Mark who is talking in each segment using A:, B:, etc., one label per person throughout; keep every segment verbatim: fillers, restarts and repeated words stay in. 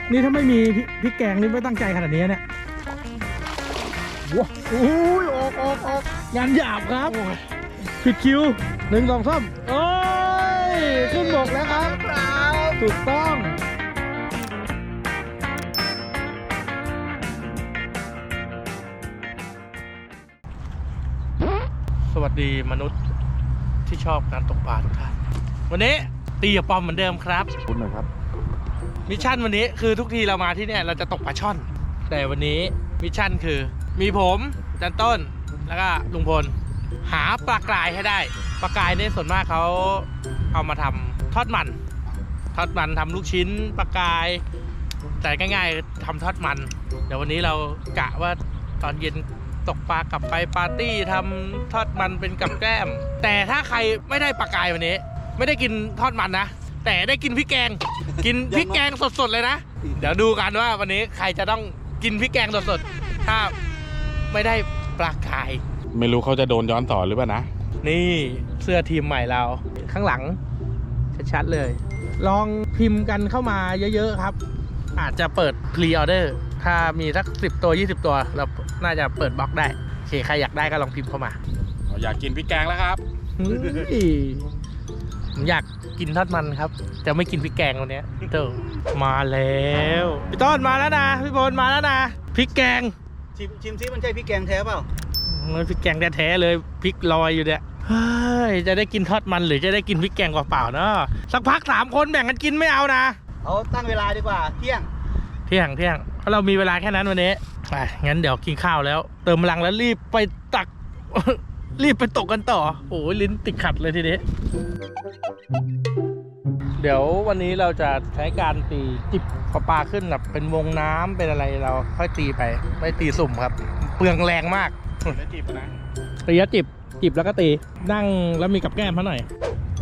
A: นี่ถ้าไม่มีพริกแกงนี่ไม่ตั้งใจขนาดนี้เนี่ยว้าวโอ้ยออกออกออกงานหยาบครับผิดคิวหนึ่งสองสามโอ้ยขึ้นบกแล้วครับถูกต้องสวัสดีมนุษย์ที่ชอบการตกปลาทุกท่านวันนี้ตีกับปอมเหมือนเดิมครับคุณหน่อยครับมิชชั่นวันนี้คือทุกทีเรามาที่เนี่ยเราจะตกปลาช่อนแต่วันนี้มิชชั่นคือมีผมจันต้นแล้วก็ลุงพลหาปลากรายให้ได้ปลากรายเนี่ยส่วนมากเขาเอามาทำทอดมันทอดมันทำลูกชิ้นปลากรายแต่ง่ายๆทำทอดมันเดี๋ยววันนี้เรากะว่าตอนเย็นตกปลากลับไปปาร์ตี้ทำทอดมันเป็นกับแก้มแต่ถ้าใครไม่ได้ปลากรายวันนี้ไม่ได้กินทอดมันนะแต่ได้กินพริกแกงกินพริกแกงสดๆเลยนะเดี๋ยวดูกันว่าวันนี้ใครจะต้องกินพริกแกงสดๆถ้าไม่ได้ปลากราย
B: ไม่รู้เขาจะโดนย้อนสอนหรือเปล่านะ
A: นี่เสื้อทีมใหม่เราข้างหลังชัดๆเลยลองพิมพ์กันเข้ามาเยอะๆครับอาจจะเปิดพรีออเดอร์ถ้ามีสักสิบตัวยี่สิบตัวเราน่าจะเปิดบล็อกได้โอเคใครอยากได้ก็ลองพิมพ์เข้ามา
B: อยากกินพริกแกงแล้วครับ
A: ผมอยากกินทอดมันครับจะไม่กินพริกแกงวันนี้เติมมาแล้วพี่ต้นมาแล้วนะพี่บอลมาแล้วนะพริกแกง
C: ชิมชิมซิมันใช่พริกแกงแท้เปล่า
A: มันพริกแกงแท้ๆเลยพริกลอยอยู่เนี่ยเฮ้ยจะได้กินทอดมันหรือจะได้กินพริกแกงเปล่าๆเนาะสักพักสามคนแบ่งกันกินไม่เอานะ
C: เอาตั้งเวลาดีกว่าเที่ยง
A: เที่ยงเที่ยงเพราะเรามีเวลาแค่นั้นวันนี้ไปงั้นเดี๋ยวกินข้าวแล้วเติมพลังแล้วรีบไปตัก รีบไปตกกันต่อโอ้ยลิ้นติดขัดเลยทีนี้เดี๋ยววันนี้เราจะใช้การตีจิบพอปลาขึ้นแบบเป็นวงน้ำเป็นอะไรเราค่อยตีไปไม่ตีสุ่มครับเปลืองแรงมาก
B: แล้วจิบนะ
A: ตีแล้วจิบจิบแล้วก็ตีนั่งแล้วมีกับแก้มเขาหน่อย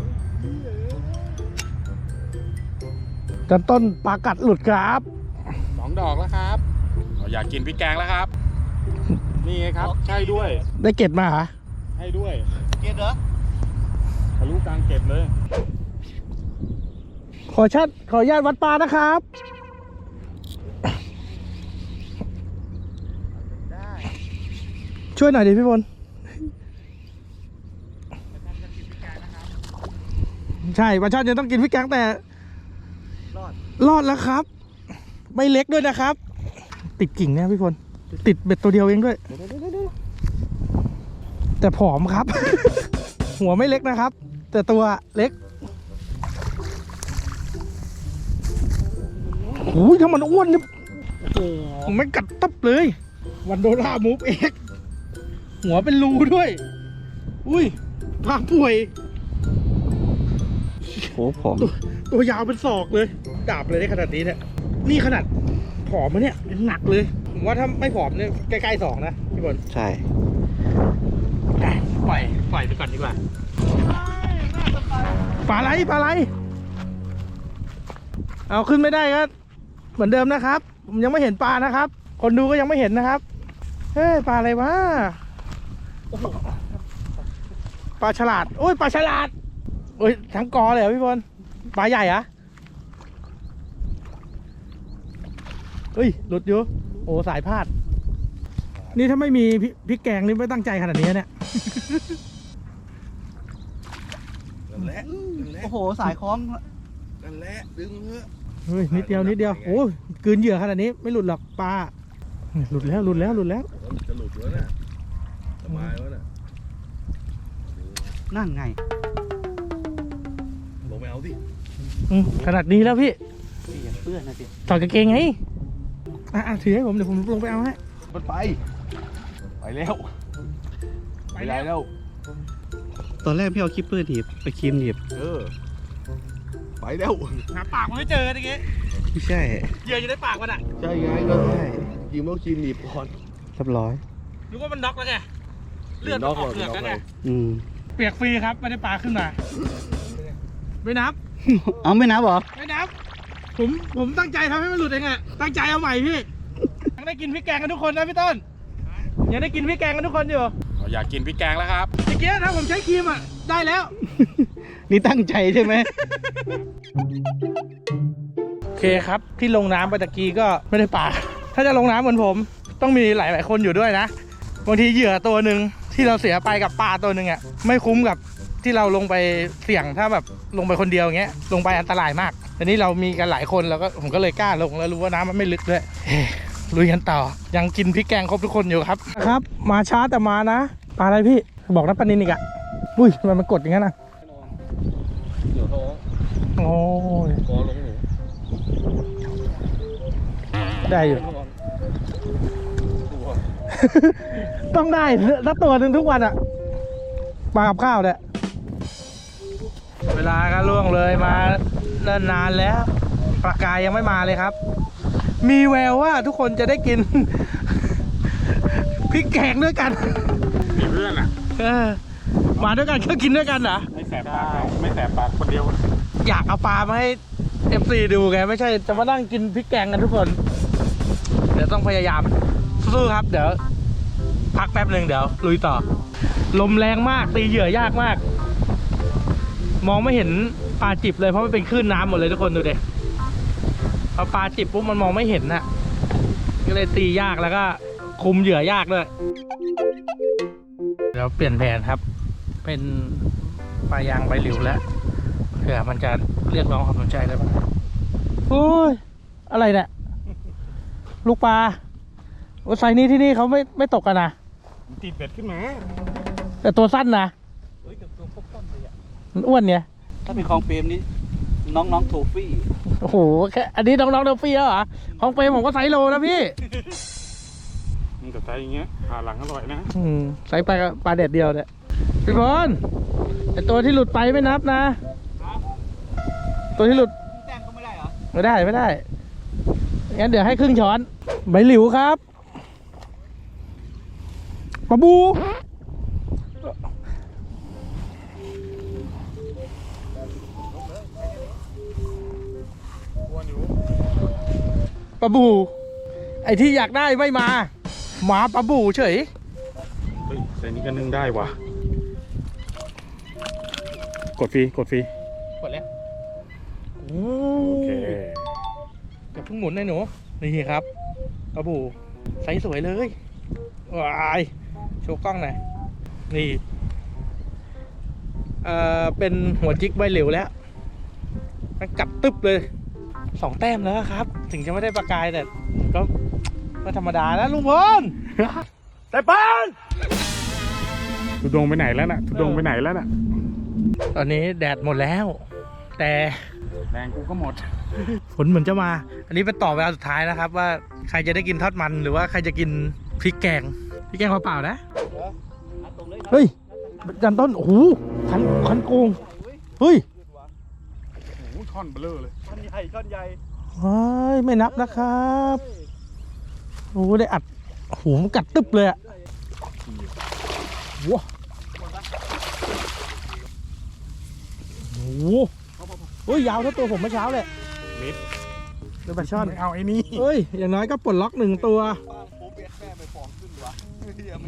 A: จันต้นปลากัดหลุดครับ
B: สองดอกแล้วครับอยากกินพริกแกงแล้วครับนี่ไงครับใช่ด้วย
A: ได้เก็บมาเหรอ
B: ใช่ด้วย
C: เก็บเหรอ
B: ทะลุกลางเก็บเลย
A: ขอชัดขออนุญาตวัดปลานะครับได้ช่วยหน่อยดิพี่บอลใช่ปลาช่อนยังต้องกินพริกแกงแต่รอดรอดแล้วครับไม่เล็กด้วยนะครับติดกิ่งเนี่ยพี่พลติดเบ็ดตัวเดียวเองด้วยแต่ผอมครับ หัวไม่เล็กนะครับแต่ตัวเล็กโอ้ยถ้ามันอ้วนเนี่ยโอ้โหไม่กัดตับเลยวันโดล่ามูฟเอ็กหัวเป็นรูด้วยอุ้ยพาป่วย
C: โหผอม
A: ตัวตัวยาวเป็นศอกเลยดาบเลยได้ขนาดนี้เนี่ยนี่ขนาดผอมมาเนี่ยหนักเลยผมว่าถ้าไม่ผอมเนี่ยใกล้ๆสองนะพี่บอล
C: ใช่
A: ปล่อยปล่อยไปก่อนดีกว่าปลาไหลปลาไหลเอาขึ้นไม่ได้ก็เหมือนเดิมนะครับผมยังไม่เห็นปลานะครับคนดูก็ยังไม่เห็นนะครับเฮ้ยปลาอะไรวะปลาฉลาดโอ้ยปลาฉลาดโอ้ยทั้งกอเลยเหรอพี่บอลปลาใหญ่อะเฮ้ยหลุดอยู่โอ้สายพาดนี่ถ้าไม่มีพริกแกงนี่ไม่ตั้งใจขนาดนี้เนี่ย
C: โอ้โหสายคล้อง
B: นั่นแหละดึงเถอะ
A: เฮ้ยนิดเดียวนิดเดียวโอ้ยกืนเหยื่อขนาดนี้ไม่หลุดหรอกปลาหลุดแล้วหลุดแล้วหลุดแล้ว
B: จะหลุดแล้วเนี่ยสบายแล้วเนี่ย
C: นั่นไง
B: ลงไปเอาสิ
A: ขนาดนี้แล้วพี่
C: อย่าเปื้อนนะสิ
A: ถอดกางเกงไงอ่ะถือให้ผมเดี๋ยวผมลงไปเอาให้
B: มันไปไปแล้วไปแล้ว
C: ตอนแรกพี่เอาคิปเปอร์หนีบไปคีมหนีบ
B: เออไปแล้ว
A: หาปากมันไม่เจอตะกี้
C: ไม่ใช่
A: เหยื่ออยู่ในปากมันอ่ะ
B: ใช่ไงก็ใช่คีมต้องคีมหนีบก่อน
C: เรียบร้อย
A: นึกว่ามันน็อกแล้วไงเลือดออกเลือดแล้วไงเปียกฟรีครับไม่ได้ปลาขึ้นมาไม่นับ
C: เอาไม่นับหรอ
A: ไม่นับผมผมตั้งใจทำให้มันหลุดเองอะตั้งใจเอาใหม่พี่ยังได้กินพริกแกงกันทุกคนนะพี่ต้นยังได้กินพริกแกงกันทุกคนอยู่
B: อยากกินพริกแกงแล้วครับ
A: เมื่อกี้ถ้าผมใช้ครีมอะได้แล้ว
C: นี่ตั้งใจใช่ไหม
A: เคครับที่ลงน้ำไปตะกี้ก็ไม่ได้ปลาถ้าจะลงน้ำเหมือนผมต้องมีหลายๆคนอยู่ด้วยนะบางทีเหยื่อตัวหนึ่งที่เราเสียไปกับปลาตัวหนึ่งอ่ะไม่คุ้มกับที่เราลงไปเสี่ยงถ้าแบบลงไปคนเดียวอย่างเงี้ยลงไปอันตรายมากแต่นี้เรามีกันหลายคนแล้วก็ผมก็เลยกล้าลงแล้วรู้ว่าน้ำมันไม่ลึกด้วยเฮ้ลุยกันต่อยังกินพริกแกงครบทุกคนอยู่ครับครับมาช้าแต่มานะปลาอะไรพี่บอกนะปลานินอีกอ่ะอุ้ยทำไมมันกดอย่างนั้นอ่ะ
B: เดี๋ยวท้อง
A: โอ้ย
B: คอลงหนู
A: ได้อยู่
B: ตัว
A: ต้องได้สักตัวหนึ่งทุกวันอ่ะปลากับข้าวเนี่ยเวลาก็ล่วงเลยมาเนิ่นนานแล้วปลากายยังไม่มาเลยครับ มีแววว่าทุกคนจะได้กิน พริกแกงด้วยกัน
B: มีเพื่อนอ่ะ
A: เออมาด้วยกันก็กินด้วยกันเหรอ
B: ไม่แสบปากเราไม่แสบปากคนเดียว
A: อยากเอาปลามาให้ เอฟ ซี ดูไงไม่ใช่จะมานั่งกินพริกแกงกันทุกคน เดี๋ยวต้องพยายามสู้ครับเดี๋ยวพักแป๊บหนึ่งเดี๋ยวลุยต่อ ลมแรงมากตีเหยื่อยากมาก มองไม่เห็นปลาจิบเลยเพราะมันเป็นคลื่นน้ำหมดเลยทุกคนดูดิพอปลาจิบปุ๊บมันมองไม่เห็นน่ะก็เลยตียากแล้วก็คุมเหยื่อยากด้วยเดี๋ยวเปลี่ยนแผนครับ เป็นปลายางใบหลิวแล้วเผื่อมันจะเรียกร้องความสนใจได้บ้างโอ้ยอะไรเนี่ยลูกปลาไซนี้ที่นี่เขาไม่ไม่ตกกันนะ
B: ติดเบ็ดขึ้นมา
A: แต่ตัวสั้นนะ
C: เฮ้ยกับตัวครบต้นเลยอ่ะ
A: มันอ้วนเนี่ย
C: ถ้าเป็นคลองเปรมนี้น้องน้องโทฟี่
A: โอ้โหแค่อันนี้น้องๆเดลฟี่แล้วเหรอของเปรมผมก็ไซส์โลนะพี่
B: มันกับไซอย่างเงี้ยผ่าหลังอร่อยนะ
A: อืมไซส์ปลาปลาเด็ดเดียวเนี่ยพี่พรไอตัวที่หลุดไปไม่นับนะ ตัวที่หลุด
C: แต้มก็ไม่ได้เหรอ
A: ไม่ได้ไม่ได้งั้นเดี๋ยวให้ครึ่งช้อนใบหลิวครับปลาบูปลาบูไอที่อยากได้ไม่มาหมาปลาบูเฉย
B: เฮ้ยใส่นี้ก็นึ่งได้ว่ะกดฟรีกดฟรี
A: กดแล้วโอ
B: โอเค
A: อย่าเพิ่งหมุนนะหนูนี่ครับปลาบูไซส์สวยเลยว้ายโชว์กล้องหน่อยนี่เอ่อเป็นหัวจิกใบเหลวแล้วมันกัดตึ๊บเลยสองแต้มแล้วครับ ถึงจะไม่ได้ประกายแต่ก็ก็ธรรมดานะลุงพล แต่ปาน
B: ทุดงไปไหนแล้วน่ะทุดงไปไหนแล้วน่ะ
A: ตอนนี้แดดหมดแล้ว แต่
B: แรงกูก็หมด
A: ฝนเหมือนจะมา อันนี้เป็นต่อเวลาสุดท้ายนะครับ ว่าใครจะได้กินทอดมันหรือว่าใครจะกินพริกแกงพริกแกงเปล่าๆนะเฮ้ยจันต้นโอ้โหคันคันโกงเฮ้ย
B: โอ้โหท่อนเบลอเลย
C: ท่อนใหญ่ท่อนใหญ่
A: เฮ้ยไม่นับนะครับโอ้โหได้อัดโอ้โหมันกัดตึ๊บเลยอะว้าโอ้โหเฮ้ยยาวเท่าตัวผมเมื่อเช้าเลย
B: มิด
A: เรือปลาช่อน
B: ไม่เอาไอ้นี่
A: เฮ้ยอย่างน้อยก็ปลดล็อกหนึ่งตัว
C: ป้างโป๊เบสแม่ไปฟองขึ้นวะเฮียไม่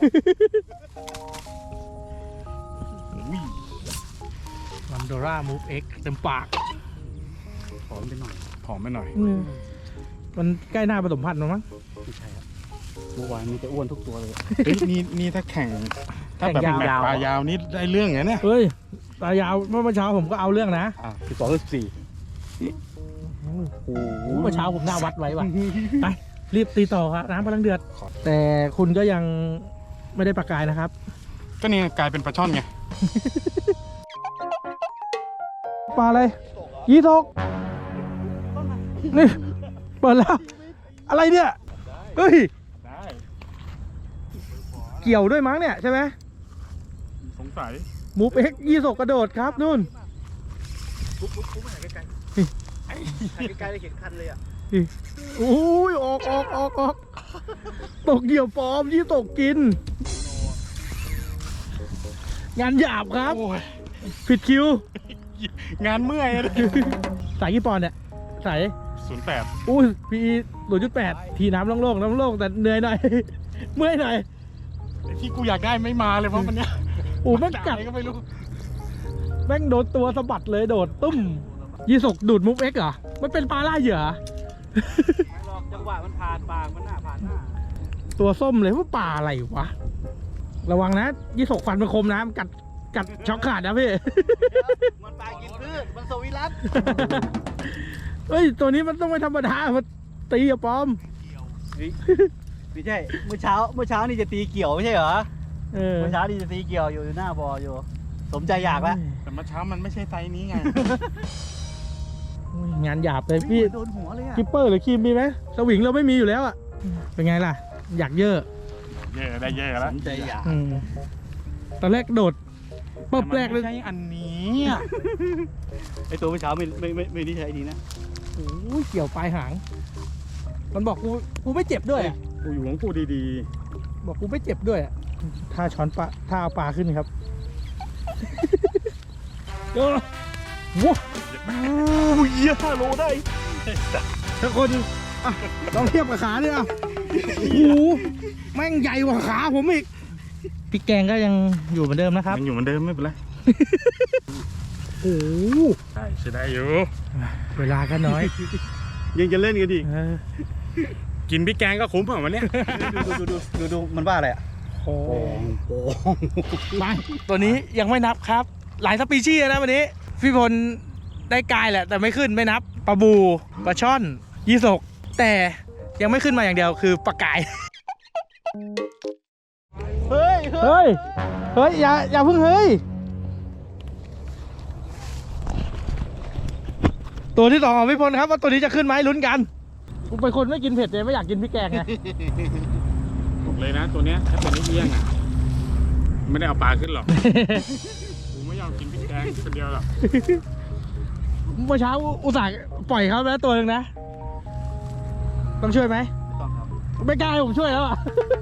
A: มันโดรามูฟเอ็กเต็มปาก
B: ผอมไปหน่อยผอมไปหน่อย
A: มันใกล้หน้าผสมพันธุ์แล้วมั้ง
C: ไม่ใช่ครับเมื่อวานมีแต่อ้วนทุกตัวเลย
B: เฮ้ยนี่นี่ถ้าแข่งถ้าแบบ
A: แข่ง
B: แมต
A: ยาว
B: ช์ปลายาวนี่ได้เรื่องไงเนี่ย
A: เฮ้ยตายาวเมื่อเช้าผมก็เอาเรื่องนะ
C: อ่ะสิบสองสิบสี่โอ้โห
A: เมื่อเช้าผมหน้าวัดไว้ว่ะ ไปรีบตีต่อครับน้ำกำลังเดือด แต่คุณก็ยังไม่ได้ประกายนะครับ
B: ก็นี่กลายเป็นปลาช่อนไง
A: ปลาอะไรยี่ทกนี่เปิดแล้ว อะไรเนี่ยเฮ้ย
B: ได้
A: เกี่ยวด้วยมั้งเนี่ยใช่ไหม
B: สงสัย
A: มูฟเอ็กยี่สกกระโดดครับนู่น
C: ปุ๊บปุ๊บปุ๊บไหนไกลๆไกลๆเลยเห็นคันเลยอ่ะ
A: โอ้ยออกออกออกออกตกเหยี่ยวปลอมยี่ตกกิน งานหยาบครับ
B: โอ้ย
A: ผิดคิว
B: งานเมื่อยเลย
A: สายกี่ปอนด์เนี่ยสาย
B: ศูนย์แปด
A: อุ้ยพีศูนย์จุดแปดทีน้ำโล่งๆน้ำโล่งแต่เหนื่อยหน่อย เมื่อยหน่อย
B: ที่กูอยากได้ไม่มาเลยเพราะมันเนี้ย
A: โอ้แม่งกัด
B: อะไรก็ไม่รู้
A: แม่งโดนตัวสะบัดเลยโดดตุ้มยี่สกดูดมุกเอ็กเหรอมันเป็นปลาล่าเหยื่อ
C: ไม่หรอกจังหวะมันผ่านปากมันหน้าผ่านหน้า
A: ตัวส้มเลยว่าปลาอะไรวะระวังนะยี่สกฟันมันคมนะมันกัดกัดช็อกขาดนะพี่
C: มันปลากินพืชมันสวิรัต
A: เฮ้ยตัวนี้มันต้องไม่ธรรมดามันตีอะปอม
C: ไม่ใช่เมื่อเช้าเมื่อเช้านี่จะตีเกี่ยวไม่ใช่เหรอ
A: เออ
C: เมื่อเช้านี่จะตีเกี่ยวอยู่อยู่หน้าบออยู่ สมใจอยากแล้ว
B: แต่เมื่อเช้ามันไม่ใช่ไซส์นี้ไง
A: โอ้ยงานหยาบเลยพี่
C: โดนหัวเลยอ่ะ
A: กิปเปอร์หรือครีมมีไหมสวิงเราไม่มีอยู่แล้วอะเป็นไงล่ะ อยากเยอะ
B: เยอะได้เยอะ
C: ส
B: แล้ว
C: มใจอยาก
A: อืมตอนแรกโดดปุ๊บแรกเลย
B: ไม่ใช่อันนี้อะ
C: ไอตัวเมื่อเช้าไม่ไม่ไม่ไม่ได้ใช้ดีนะ
A: โอ้ยเกี่ยวปลายหาง มันบอกกูกูไม่เจ็บด้วยอะ
B: กูอยู่ของกูดี
A: บอกกูไม่เจ็บด้วยอะถ้าช้อนปลาถ้าเอาปลาขึ้นครับ โอ้โห
B: ๆโอ้ยห้าโลได้
A: ถ้าคนอ่ะลองเทียบกับขาดิอ่ะโอ้โหแม่งใหญ่กว่าขาผมอีกพี่แกงก็ยังอยู่เหมือนเดิมนะครับ
B: มันอยู่เหมือนเดิมไม่เป็นไร
A: โอ้โห
B: ได้ใช้ได้อยู่
A: เวลาก็น้อย
C: ยังจะเล่นกันอีก
A: เออ
B: กินพี่แกงก็คุ้มเหรอวันเนี้ย
C: ดูดูดูดูดูมันว่าอะไรอ่ะ
A: โอ้
C: โอ้
A: ไปตัวนี้ยังไม่นับครับ หลายสปีชีส์นะวันนี้ พี่พลได้กายแหละ แต่ไม่ขึ้นไม่นับปลาบูปลาช่อน ยี่สก แต่ยังไม่ขึ้นมาอย่างเดียวคือปลากาย
C: เฮ้ย
A: เฮ้ย เฮ้ย อย่า อย่าเพิ่งเฮ้ย ตัวที่สองของพี่พลครับว่าตัวนี้จะขึ้นไหมลุ้นกันผมเป็นคนไม่กินเผ็ดเลยไม่อยากกินพริกแกงไง
B: บอกเลยนะตัวเนี้ยถ้าเป็นลูกเลี้ยงอ่ะไม่ได้เอาปลาขึ้นหรอก กูไม่ยอมกินพี่แกงคนเดียวหรอก
A: เมื่อเช้าอุตส่าห์ปล่อยเขาไปแล้วตัวหนึ่งนะ ต้องช่วยไหม
C: ต้องครับ
A: ไม่กล้าให้ผมช่วยแล้วอ่ะ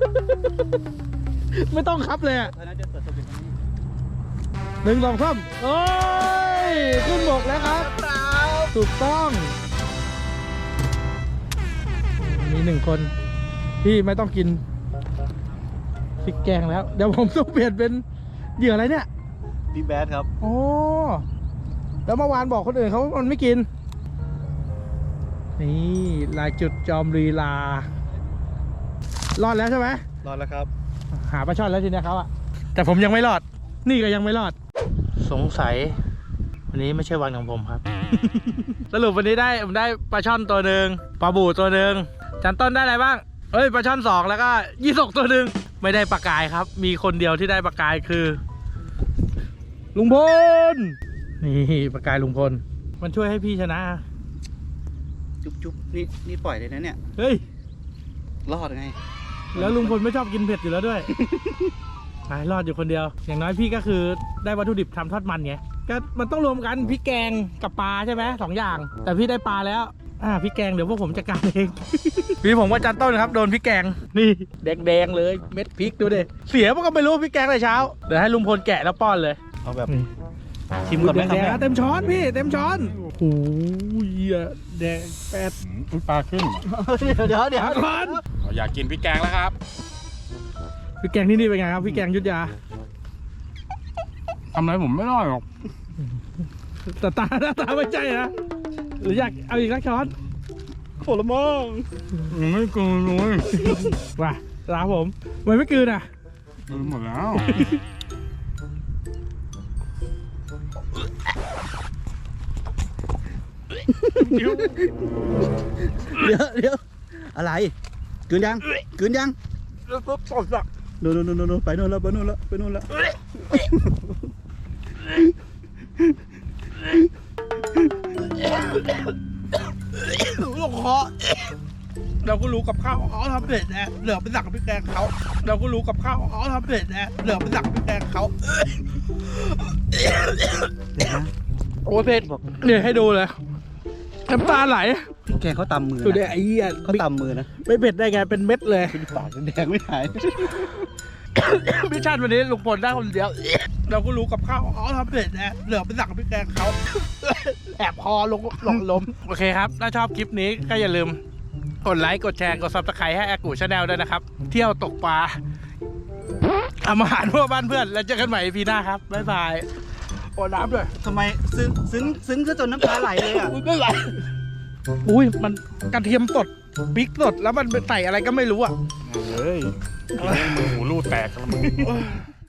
A: ไม่ต้องครับเลยอ่ะ
C: ถ้าน่าจะเปิดตัวเป็นนี้
A: หนึ่งสองสามโอ้ย ขึ้นบกแล้วครับ ถูกต้อง มีหนึ่งคนที่ไม่ต้องกินพริกแกงแล้ว เดี๋ยวผมต้องเปลี่ยนเป็นเหยื่ออะไรเนี่ย
C: บิ๊กแบดครับ
A: โอ้แล้วเมื่อวานบอกคนอื่นเขาว่ามันไม่กิน นี่ลายจุดจอมลีลารอดแล้วใช่ไหม
C: รอดแล้วครับ
A: หาปลาช่อนแล้วทีเนี้ยเขาอะแต่ผมยังไม่รอด นี่ก็ยังไม่รอด สงสัย วันนี้ไม่ใช่วันของผมครับ สรุปวันนี้ได้ผมได้ปลาช่อนตัวหนึ่งปลาบูตัวหนึ่งจันต้นได้อะไรบ้างเอ้ยปลาช่อนสองแล้วก็ยี่สกตัวหนึ่งไม่ได้ปลากายครับ มีคนเดียวที่ได้ปลากายคือ ลุงพลนี่ปลากายลุงพลมันช่วยให้พี่ชนะ
C: จุ๊บจุ๊บนี่นี่ปล่อยเลยนะเนี่ย
A: เฮ้ย
C: รอดไง
A: แล้วลุงพลไม่ชอบกินเผ็ดอยู่แล้วด้วย ไปรอดอยู่คนเดียว อย่างน้อยพี่ก็คือได้วัตถุดิบทำทอดมันไง ก็มันต้องรวมกันพริกแกงกับปลาใช่ไหมสองอย่าง แต่พี่ได้ปลาแล้ว อ่าพริกแกงเดี๋ยวพวกผมจัดการเอง พี่ผมว่าจันต้นครับโดนพริกแกง นี่แดงๆเลยเม็ดพริกดูดิเสียมันก็ไม่รู้พริกแกงแต่เช้า เดี๋ยวให้ลุงพลแกะแล้วป้อนเลย
C: เอาแบบ
A: นี่
C: ชิมก่อนไหมครับ
A: แดง
C: แม่
A: ๆเต็มช้อนพี่เต็มช้อนโอ้โหแดงแปด
B: อุ๊ยปลาขึ้น
C: เดี๋ยวเดี๋ยว
A: อาก่อน
B: เราอยากกินพี่แกงแล้วครับ
A: พริกแกงที่นี่เป็นไงครับพริกแกงยุทธยา
B: ทำอะไรผมไม่รอดหรอก
A: แต่ตาหน้าตาไม่ใช่นะหรืออยากเอาอีกสักช้อน
C: ผลไม้
B: ยังไม่กินเลย
A: ว่ะลาผมมันไม่กลืนอ่ะ
B: กินหมดแล้ว
C: เดี๋ยวเดี๋ยวอะไรกลืนยังกลืนยัง
A: แล้วปุ๊บสดสัก
C: โน่นโน่นโน่นโน่นไปโน่นแล้วไปโน่นแล้วไปโน่นแล้ว
A: ลูกคอเราก็รู้กับข้าวอ๋อทำเผ็ดนะเหลือไปสั่งพริกแกงเขาเราก็รู้กับข้าวอ๋อทำเผ็ดนะเหลือไปสั่งพริกแกงเขาโอ้เผ็ดเนี่ยให้ดูเลยน้ำตาไหล
C: พี่แกเขาตำมือ
A: ดูดิ
C: นะ
A: ไอ้เหี้ย
C: เขาตำมือนะ
A: ไม่เผ็ดได้ไงเป็นเม็ดเลย
C: ปากแดงไม่หาย
A: มิชชั่นวันนี้ลุงพลได้คนเดียว เราก็รู้กับข้าวอ๋อทำเผ็ดนะเหลือไปสั่งพริกแกงเขา แอบคอลงหลงล้มโอเคครับถ้าชอบคลิปนี้ก็อย่าลืมกดไลค์กดแชร์กดซับสไครต์ให้แอกูชาแนลด้วยนะครับ เที่ยวตกปลาทำอาหารพวกบ้านเพื่อนแล้วเจอกันใหม่ อี พี หน้าครับบ๊ายบายขอน้ำด้วย
C: ทำไมซึ้งซึ้งซึ้งซะจนน้ำตาไหลเลยอ่ะ
A: ไม่ไหลอุ้ยมันกระเทียมสดพริกสดแล้วมันใส่อะไรก็ไม่รู้อ่ะ
B: เฮ้ยกินแล้วมือหูรูดแตกแล้วมึง